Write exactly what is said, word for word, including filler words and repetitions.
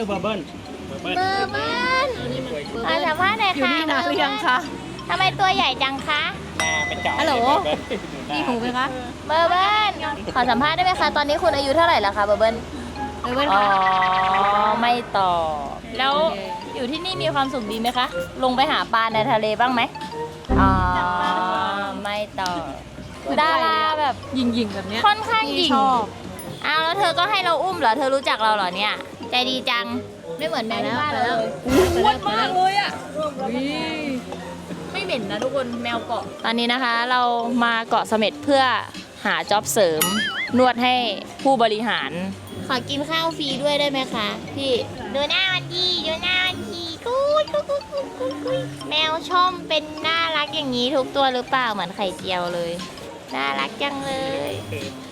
เบอร์เบิ้ลเบอร์เบิ้ลมาสัมภาษณ์หน่อยอยู่ค่ะนี่นานหรือยังคะทำไมตัวใหญ่จังคะหน้าเป็นจ่าฮัลโหลเบอร์เบิ้ลมีหูไหมคะเบอร์เบิ้ลขอสัมภาษณ์ได้ไหมคะตอนนี้คุณอายุเท่าไหร่แล้วคะเบอร์เบิ้ลเออเว้นอ๋อค่ะไม่ตอบแล้วอยู่ที่นี่มีความสุขดีไหมคะ ลงไปหาปลาในทะเลบ้างไหมอ๋อไม่ตอบดาราแบบยิงยิงๆแบบเนี้ยค่อนข้างหยิ่งชอบอ้าวแล้วเธอก็ให้เราอุ้มเหรอ เธอรู้จักเราเหรอเนี่ย ใจดีจัง ไม่เหมือนแมวที่บ้านเราเลยอ้วนมากเลยอ่ะไม่เหม็นนะทุกคนแมวเกาะ ตอนนี้นะคะเรามาเกาะเสม็ดเพื่อหาจ็อบเสริม นวดให้ผู้บริหาร ขอกินข้าวฟรีด้วยได้ไหมคะ พี่ ดูหน้ามันดีดูหน้ามันดีกุ๊ยกุ๊ยกุ๊ยกุ๊ยกุ๊ยกุ๊ยแมวชมเป็นน่ารักอย่างนี้ทุกตัวหรือเปล่าเหมือนไข่เจียวเลย น่ารักจังเลย